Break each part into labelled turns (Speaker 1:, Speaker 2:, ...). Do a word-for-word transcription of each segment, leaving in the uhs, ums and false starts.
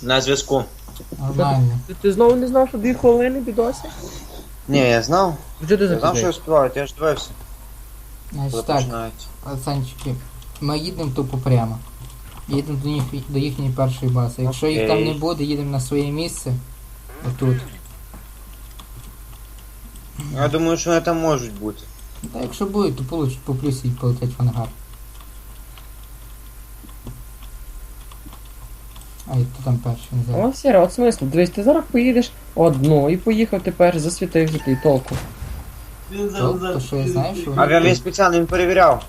Speaker 1: На зв'язку.
Speaker 2: Нормально.
Speaker 3: Ти, ти знову не знав, що дві хвилини бідосі?
Speaker 1: Ні, я знав.
Speaker 3: Вже ти
Speaker 1: Я знав, що я
Speaker 3: запізнаєш.
Speaker 1: співаю, я ж дивився. Коли
Speaker 2: Значить так,
Speaker 1: починається.
Speaker 2: пацанчики, ми їдемо тупо прямо. Їдемо до, їх, до їхньої першої бази. Якщо їх там не
Speaker 1: Окей.
Speaker 2: буде, їдемо на своє місце. Отут.
Speaker 1: Я думаю, що вони там можуть бути.
Speaker 2: Та якщо буде, то получить по плюсі і полетять в ангар. Ай, хто там перший не знаю.
Speaker 3: О, Сіра, от смисл. Дивись, ти зараз поїдеш одну і поїхав тепер, засвітив же ти толку.
Speaker 2: То, то що я знаю, що
Speaker 1: А
Speaker 2: вони...
Speaker 1: він спеціально він перевіряв.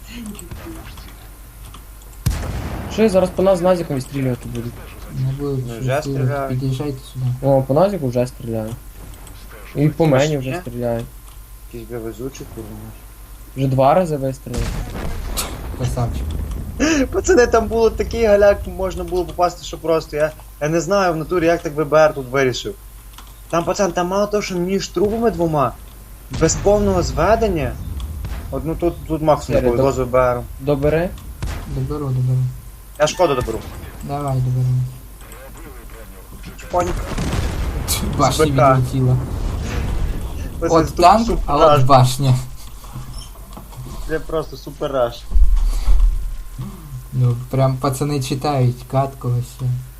Speaker 3: Що я зараз по нас з Назіком відстрілювати буду?
Speaker 2: Не будуть
Speaker 1: Ну,
Speaker 2: що
Speaker 1: вже
Speaker 2: стріляти.
Speaker 1: стріляють.
Speaker 2: Під'їжджайте сюди.
Speaker 3: О, по Назіку вже стріляю. І по мені вже
Speaker 1: Ще?
Speaker 3: стріляють.
Speaker 1: Якийсь би везучий, курва.
Speaker 3: Вже два рази вистрілили.
Speaker 2: Красавчик.
Speaker 1: Пацани, там було такий галяк, можна було попасти, що просто. Я, я не знаю в натурі, як так ВБР тут вирішив. Там, пацан, там мало того, що між трубами двома, без повного зведення. От, ну тут, тут максимум
Speaker 3: Сері,
Speaker 1: повезло з ВБРом.
Speaker 3: Добери.
Speaker 2: Доберу, доберу.
Speaker 1: Я шкоду доберу.
Speaker 2: Давай, доберу.
Speaker 1: Чпоньк.
Speaker 2: Башня
Speaker 1: БК.
Speaker 2: відлетіла.
Speaker 1: Пацан,
Speaker 2: От
Speaker 1: тут
Speaker 2: танк,
Speaker 1: супер
Speaker 2: а
Speaker 1: раш.
Speaker 2: от башня.
Speaker 1: Це просто супер раш.
Speaker 2: Ну, прям пацани читають, катку вообще.